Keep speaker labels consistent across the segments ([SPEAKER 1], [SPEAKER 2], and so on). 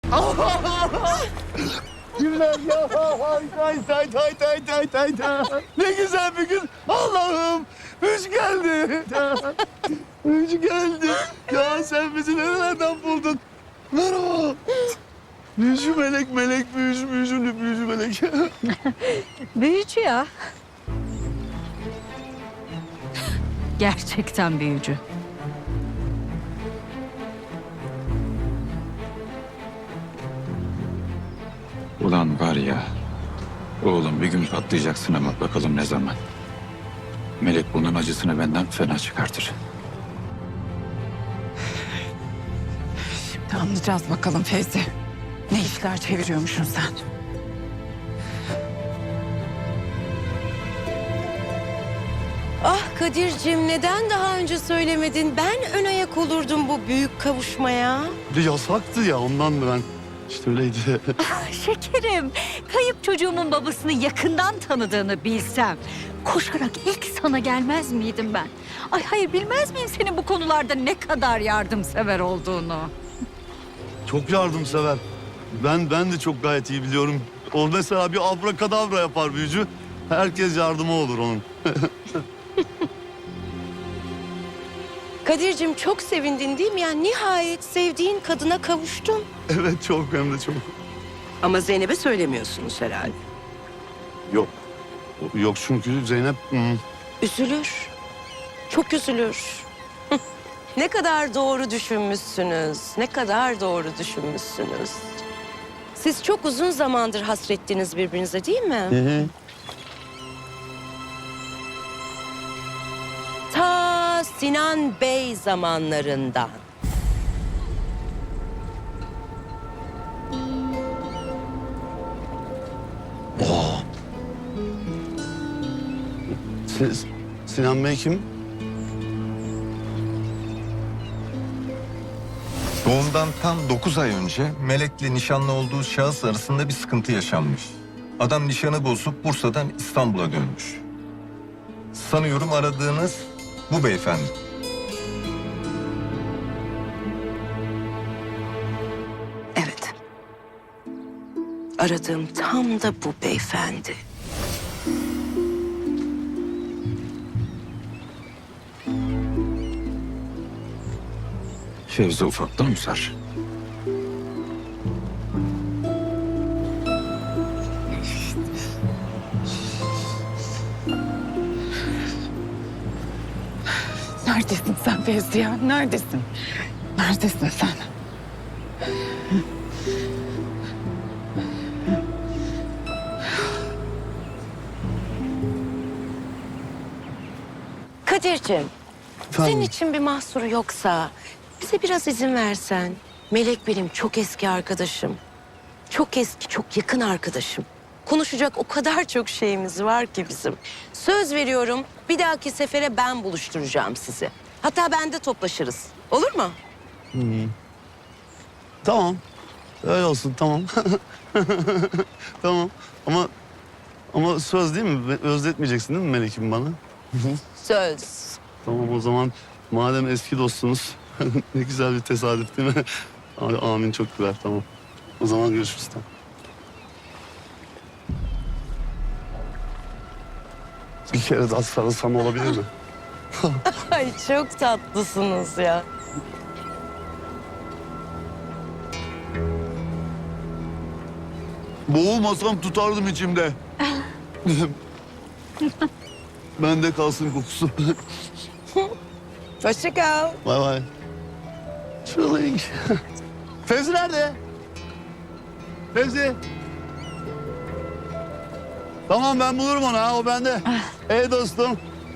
[SPEAKER 1] Günler ya. Tay. Ne güzel bir gün. Allah'ım. Müjde geldi. Müjde geldi. Ya sen bizi nerelerden buldun? Merhaba. Büyücü melek, büyücü melek.
[SPEAKER 2] Büyücü ya. Gerçekten büyücü.
[SPEAKER 3] Ulan var ya, oğlum bir gün patlayacaksın ama bakalım ne zaman. Melek bunun acısını benden fena çıkartır.
[SPEAKER 4] Şimdi anlayacağız bakalım Fevzi. Ne işler çeviriyormuşsun sen?
[SPEAKER 5] Ah Kadir'cim neden daha önce söylemedin? Ben ön ayak olurdum bu büyük kavuşmaya.
[SPEAKER 1] Bir yasaktı ya ondan da ben. İşte öyleydi.
[SPEAKER 2] Şekerim, kayıp çocuğumun babasını yakından tanıdığını bilsem... koşarak ilk sana gelmez miydim ben? Ay hayır, bilmez miyim senin bu konularda ne kadar yardımsever olduğunu?
[SPEAKER 1] Çok yardımsever. Ben de çok gayet iyi biliyorum. O mesela bir abrakadabra yapar büyücü. Herkes yardıma olur onun.
[SPEAKER 5] Kadir'cim çok sevindin değil mi? Yani nihayet sevdiğin kadına kavuştun.
[SPEAKER 1] Evet çok hem de çok.
[SPEAKER 5] Ama Zeynep'e söylemiyorsunuz herhalde.
[SPEAKER 1] Yok. Yok çünkü Zeynep...
[SPEAKER 5] Üzülür. Çok üzülür. Ne kadar doğru düşünmüşsünüz. Ne kadar doğru düşünmüşsünüz. Siz çok uzun zamandır hasrettiniz birbirinize değil mi?
[SPEAKER 1] Hı.
[SPEAKER 5] Ta Sinan Bey zamanlarından.
[SPEAKER 1] Sinan Bey kim?
[SPEAKER 6] Doğumdan tam 9 ay önce Melek'le nişanlı olduğu şahıs arasında bir sıkıntı yaşanmış. Adam nişanı bozup Bursa'dan İstanbul'a dönmüş. Sanıyorum aradığınız bu beyefendi.
[SPEAKER 5] Evet. Aradığım tam da bu beyefendi.
[SPEAKER 3] Fevzi ufaktan usar.
[SPEAKER 4] Neredesin sen Fevzi ya? Neredesin? Neredesin sen?
[SPEAKER 5] Kadir'cim, senin için bir mahsuru yoksa bize biraz izin versen. Melek benim çok eski arkadaşım. Çok eski, çok yakın arkadaşım. Konuşacak o kadar çok şeyimiz var ki bizim. Söz veriyorum bir dahaki sefere ben buluşturacağım sizi. Hatta bende toplaşırız. Olur mu?
[SPEAKER 1] Tamam. Öyle olsun tamam. Tamam ama söz değil mi? Özletmeyeceksin değil mi Melek'im bana?
[SPEAKER 5] Söz.
[SPEAKER 1] Tamam o zaman madem eski dostsunuz ne güzel bir tesadüf değil mi? Amin çok güzel tamam. O zaman görüşürüz tamam. Bir kere daha sarılsam olabilir mi?
[SPEAKER 5] Ay çok tatlısınız ya.
[SPEAKER 1] Boğulmasam tutardım içimde. Bende kalsın kokusu.
[SPEAKER 5] Hoşça kal.
[SPEAKER 1] Bay bay. Çılgın. Fevzi nerede? Fevzi. Tamam ben bulurum onu ha o bende. Ey dostum.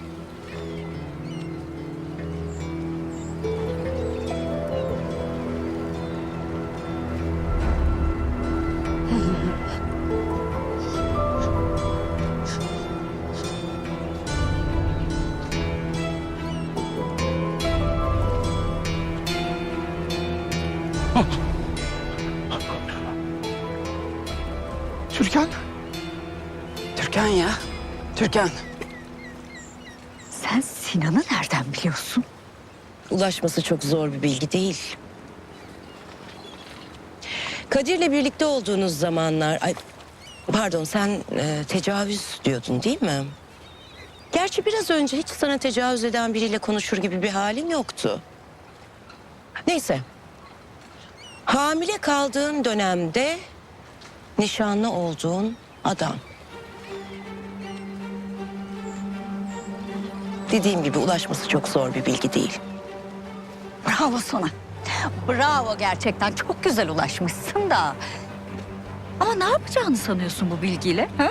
[SPEAKER 4] Türkan. Türkan ya. Türkan.
[SPEAKER 2] Sen Sinan'ı nereden biliyorsun?
[SPEAKER 5] Ulaşması çok zor bir bilgi değil. Kadir'le birlikte olduğunuz zamanlar... Ay, pardon, sen tecavüz diyordun değil mi? Gerçi biraz önce hiç sana tecavüz eden biriyle konuşur gibi bir halin yoktu. Neyse. Hamile kaldığın dönemde nişanlı olduğun adam. Dediğim gibi ulaşması çok zor bir bilgi değil.
[SPEAKER 2] Bravo sana. Bravo gerçekten. Çok güzel ulaşmışsın da. Ama ne yapacağını sanıyorsun bu bilgiyle? Ha?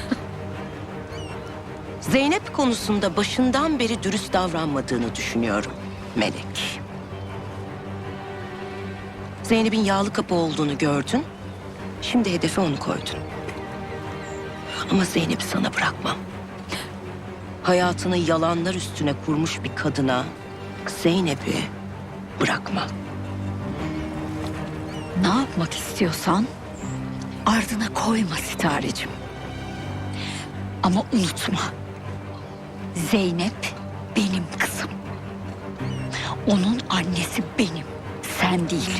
[SPEAKER 5] Zeynep konusunda başından beri dürüst davranmadığını düşünüyorum Melek. Zeynep'in yağlı kapı olduğunu gördün. Şimdi hedefe onu koydun. Ama Zeynep'i sana bırakmam. Hayatını yalanlar üstüne kurmuş bir kadına Zeynep'i bırakmam.
[SPEAKER 2] Ne yapmak istiyorsan ardına koyma Sitarecim. Ama unutma. Zeynep benim kızım. Onun annesi benim, sen değil.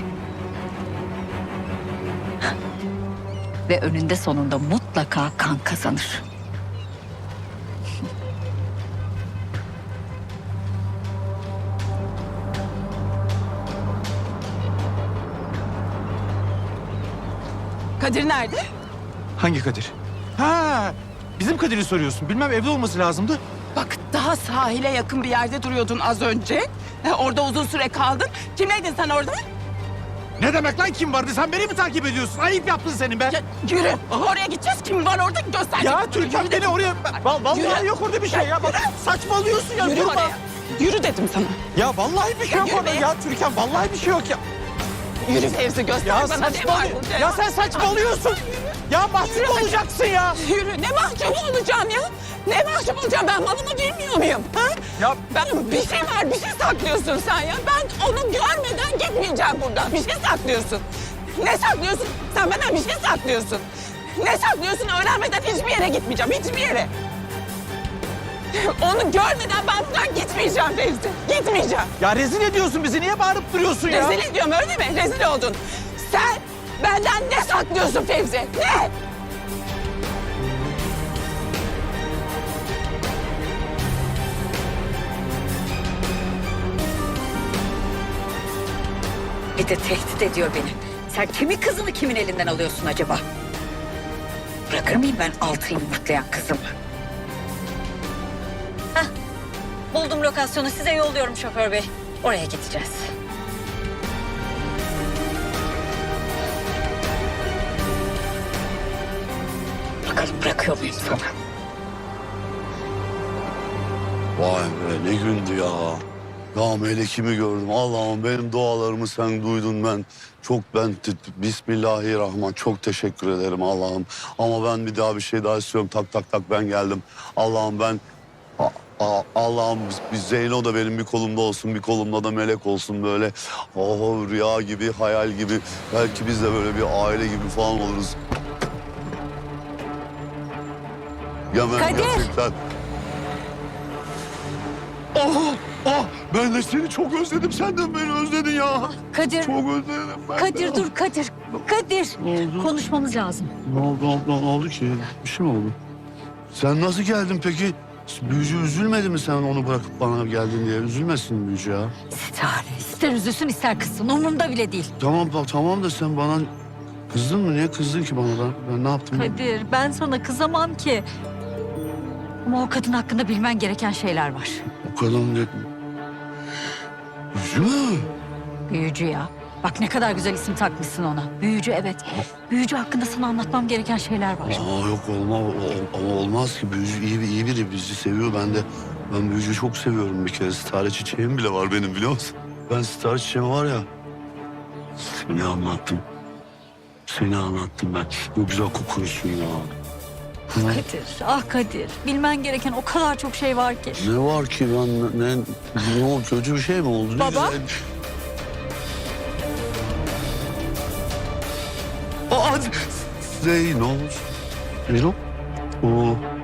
[SPEAKER 2] Ve önünde sonunda mutlaka kan kazanır.
[SPEAKER 4] Kadir nerede?
[SPEAKER 7] Hangi Kadir? Ha, bizim Kadir'i soruyorsun. Bilmem, evde olması lazımdı.
[SPEAKER 4] Bak, daha sahile yakın bir yerde duruyordun az önce. Orada uzun süre kaldın. Kimleydin sen orada?
[SPEAKER 7] Ne demek lan kim vardı? Sen beni mi takip ediyorsun? Ayıp yaptın senin be.
[SPEAKER 4] Ya, yürü. Oraya gideceğiz. Kim var orada göster.
[SPEAKER 7] Ya Türkan beni oraya... Vallahi
[SPEAKER 4] Yürü.
[SPEAKER 7] yok orada bir şey ya. Bak, saçmalıyorsun ya.
[SPEAKER 4] Yürü
[SPEAKER 7] durma.
[SPEAKER 4] oraya. Yürü dedim sana.
[SPEAKER 7] Ya vallahi bir şey yok
[SPEAKER 4] Yürü
[SPEAKER 7] orada
[SPEAKER 4] be.
[SPEAKER 7] ya Türkan. Vallahi bir şey yok ya.
[SPEAKER 4] Yürü Fevzi, göster
[SPEAKER 7] Ya
[SPEAKER 4] bana ne var burada.
[SPEAKER 7] Ya sen saçmalıyorsun. Ya mahcup olacaksın ya.
[SPEAKER 4] Yürü, ne mahcup olacağım ya? Ne mahcup olacağım, ben malımı bilmiyor muyum? Ha?
[SPEAKER 7] Ya
[SPEAKER 4] Ben bir şey var, bir şey saklıyorsun sen ya. Ben onu görmeden gitmeyeceğim buradan. Bir şey saklıyorsun. Ne saklıyorsun? Sen benden bir şey saklıyorsun. Ne saklıyorsun? Öğrenmeden hiçbir yere gitmeyeceğim, hiçbir yere. Onu görmeden ben buradan gitmeyeceğim Fevzi. Gitmeyeceğim.
[SPEAKER 7] ya rezil ediyorsun bizi. Niye bağırıp duruyorsun ya?
[SPEAKER 4] Rezil ediyorum öyle mi? Rezil oldun. Sen benden ne saklıyorsun Fevzi? Ne?
[SPEAKER 2] Bir de tehdit ediyor beni. Sen kimin kızını kimin elinden alıyorsun acaba? Bırakır mıyım ben altı yumurtlayan kızımı? Hah, buldum lokasyonu. Size yolluyorum şoför bey. Oraya gideceğiz. Bakalım bırakıyor muyum sana?
[SPEAKER 1] Vay be ne gündü ya. Ya Melek'imi gördüm. Allah'ım benim dualarımı sen duydun ben. Bismillahirrahmanirrahim. Çok teşekkür ederim Allah'ım. Ama ben bir daha bir şey daha istiyorum. Tak tak tak ben geldim. Allah'ım ben... Allah'ım bir Zeyno da benim bir kolumda olsun, bir kolumda da Melek olsun böyle. Oh rüya gibi, hayal gibi. Belki biz de böyle bir aile gibi falan oluruz. Ya ben
[SPEAKER 2] Kadir!
[SPEAKER 1] gerçekten... Ben de seni çok özledim. Sen de beni özledin ya.
[SPEAKER 2] Kadir,
[SPEAKER 1] Çok özledim ben.
[SPEAKER 2] Kadir dur Kadir. Kadir, konuşmamız lazım.
[SPEAKER 1] Ne oldu abla? Ne oldu ki? Bir şey mi oldu? Sen nasıl geldin peki? Büyücü üzülmedi mi sen onu bırakıp bana geldin diye? Üzülmesin büyücü ya.
[SPEAKER 2] Sitare, ister üzülsün ister kızsın. Umurumda bile değil.
[SPEAKER 1] Tamam da sen bana kızdın mı? Niye kızdın ki bana da? Ben ne yaptım?
[SPEAKER 2] Kadir, ben sana kızamam ki. Ama o kadın hakkında bilmen gereken şeyler var.
[SPEAKER 1] O kadar mı? Büyücü mü?
[SPEAKER 2] Büyücü ya. Bak ne kadar güzel isim takmışsın ona. Büyücü evet. Büyücü hakkında sana anlatmam gereken şeyler var.
[SPEAKER 1] Yok ama olmaz ki. Büyücü iyi biri. Bizi seviyor. Ben büyücüyü çok seviyorum bir kere. Sitare çiçeğim bile var benim biliyor musun? Ben sitare çiçeğim var ya. Seni anlattım ben. Ne güzel kokuyorsun ya.
[SPEAKER 2] Kadir, Kadir. Bilmen gereken o kadar çok şey var ki.
[SPEAKER 1] Ne var ki ne oldu? Kötü bir şey mi oldu?
[SPEAKER 2] Baba? Zeyno.
[SPEAKER 1] Zeyno? O